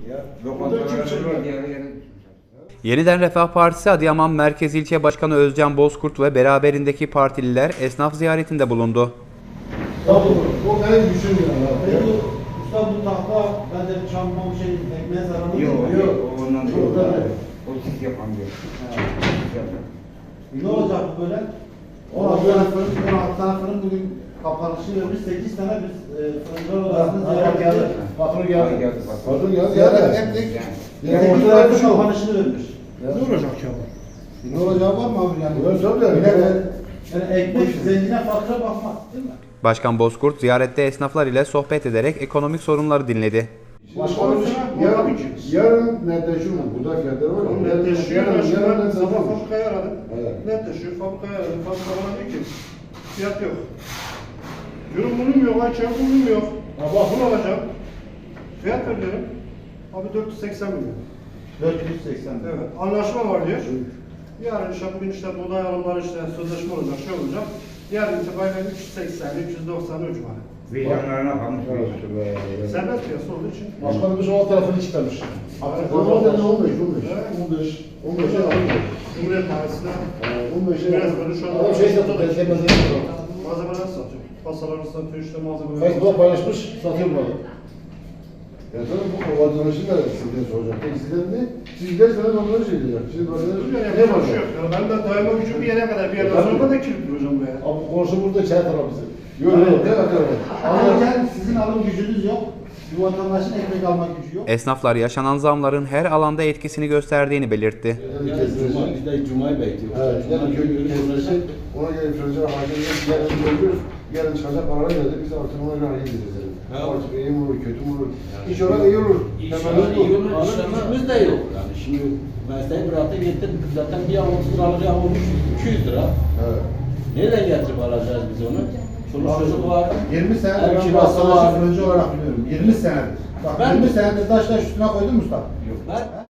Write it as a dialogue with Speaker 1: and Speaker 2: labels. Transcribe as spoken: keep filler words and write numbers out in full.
Speaker 1: Ya lokantalara var diğer yere.
Speaker 2: Yeniden Refah Partisi Adıyaman Merkez İlçe Başkanı Özcan Bozkurt ve beraberindeki partililer esnaf ziyaretinde bulundu.
Speaker 3: Tabii, o benim düşünmüyorum.
Speaker 4: Peki usta bu tahta bence çamlam şey ekmeğe zararlı
Speaker 1: Yok
Speaker 4: değil mi?
Speaker 1: yok ondan
Speaker 3: Yok,
Speaker 1: değil.
Speaker 3: tabii.
Speaker 1: O sis yapan diyor.
Speaker 4: Ne olacak bu böyle? on altı tane fırın, on altı tane fırın bugün kapanışı vermiş, sekiz tane biz e, fırıncılar odasını ziyaret
Speaker 3: geldi.
Speaker 4: ettik.
Speaker 3: Patron
Speaker 1: Geldi
Speaker 3: geldi.
Speaker 1: geldi.
Speaker 3: Patron geldi.
Speaker 4: Ziyaret
Speaker 3: Yani.
Speaker 4: ettik.
Speaker 3: Yani
Speaker 4: sekiz
Speaker 3: ortada
Speaker 4: tane
Speaker 3: bir şey yok.
Speaker 4: kapanışını vermiş.
Speaker 3: Ne olacak ki ama?
Speaker 4: Ne olacağı var mı abi yani?
Speaker 3: Evet, tabii yani.
Speaker 4: Millet- Yani ekmek zengine fakire bakmaz değil mi?
Speaker 2: Başkan Bozkurt ziyarette esnaflar ile sohbet ederek ekonomik sorunları dinledi.
Speaker 3: Başkanım yarın, yarın netleşiyor mu? Burada fiyatları var.
Speaker 5: Oğlum netleşiyor.
Speaker 3: Yarın,
Speaker 5: Ben şimdi
Speaker 3: yarın
Speaker 5: ben
Speaker 3: net
Speaker 5: sabah
Speaker 3: satılmış.
Speaker 5: fabrikayı aradım.
Speaker 3: Evet.
Speaker 5: Netleşiyor. Fabrikayı aradım. Fabrika bana diyor ki fiyat yok. Yorum bunun yok. Ayça'ya bunun yok. Bak bunu alacağım. Fiyat veriyorum. Abi dört yüz seksen milyon.
Speaker 4: dört yüz seksen.
Speaker 5: Evet. Anlaşma var diyor. Yarın işte bugün işte buğday alımları işte sözleşme olacak, şey olacak. Yarın itibariyle üç yüz seksen, üç yüz doksan ucuma.
Speaker 1: Vicdanlarına kalmış.
Speaker 5: Serbest piyasa olduğu için.
Speaker 3: Başkanım biz o tarafını çıkarmış.
Speaker 5: Evet.
Speaker 3: O zaman on beş, on beş.
Speaker 5: Evet.
Speaker 3: on beş, on beşe almış.
Speaker 5: Cumhuriyet Mahallesi'ne
Speaker 3: on beşe
Speaker 5: Biraz böyle şu anda-
Speaker 3: Adam şey satıyor, beslemezini satıyor.
Speaker 5: malzemeler satıyor. Pasalarını satıyor, işte malzemeler
Speaker 3: Facebook'a paylaşmış, satıyor bunu. Ya tabii bu vatandaşın da sizden soracak. Peki sizden ne? Siz giderseniz onları şey diyecek. Siz vatandaş
Speaker 5: Yani
Speaker 3: ne
Speaker 5: yapacak
Speaker 3: var?
Speaker 5: bir şey yok. Yani ben de daima gücüm bir yere kadar bir yerden
Speaker 3: Tabii.
Speaker 5: sonra da kilitli hocam buraya.
Speaker 3: Abi konuşu burada çay tarafı bize. Yok yok, ne kadar var?
Speaker 4: Alırken sizin alım gücünüz yok. Bu vatandaşın ekmek alma gücü yok.
Speaker 2: Esnaflar yaşanan zamların her alanda etkisini gösterdiğini belirtti.
Speaker 6: Cuma, biz de Cuma'yı bekliyoruz.
Speaker 3: Evet,
Speaker 6: Cuma
Speaker 3: yani köy
Speaker 6: günü
Speaker 3: kesmesi, ona göre influencer hakemler yarın görüyoruz. Yarın çıkacak paralar geldi, biz artık ona göre hareket edeceğiz.
Speaker 6: Ha.
Speaker 3: Artık iyi mi olur, kötü mü olur? İş olarak iyi olur.
Speaker 6: İnşallah iyi olur. Alım gücümüz de yok. Yani şimdi mesleği bıraktı gittim. Zaten bir an otuz lira alacağım olmuş iki yüz lira.
Speaker 3: Evet.
Speaker 6: Nereden getirip alacağız biz onu? Çoluk çocuk var.
Speaker 4: yirmi senedir
Speaker 6: Ev
Speaker 4: ben
Speaker 6: kirası
Speaker 4: vatandaşı
Speaker 6: var.
Speaker 4: fırıncı olarak biliyorum. yirmi senedir. Bak
Speaker 6: Ben-
Speaker 4: yirmi senedir taş taş üstüne koydun mu usta?
Speaker 6: Ben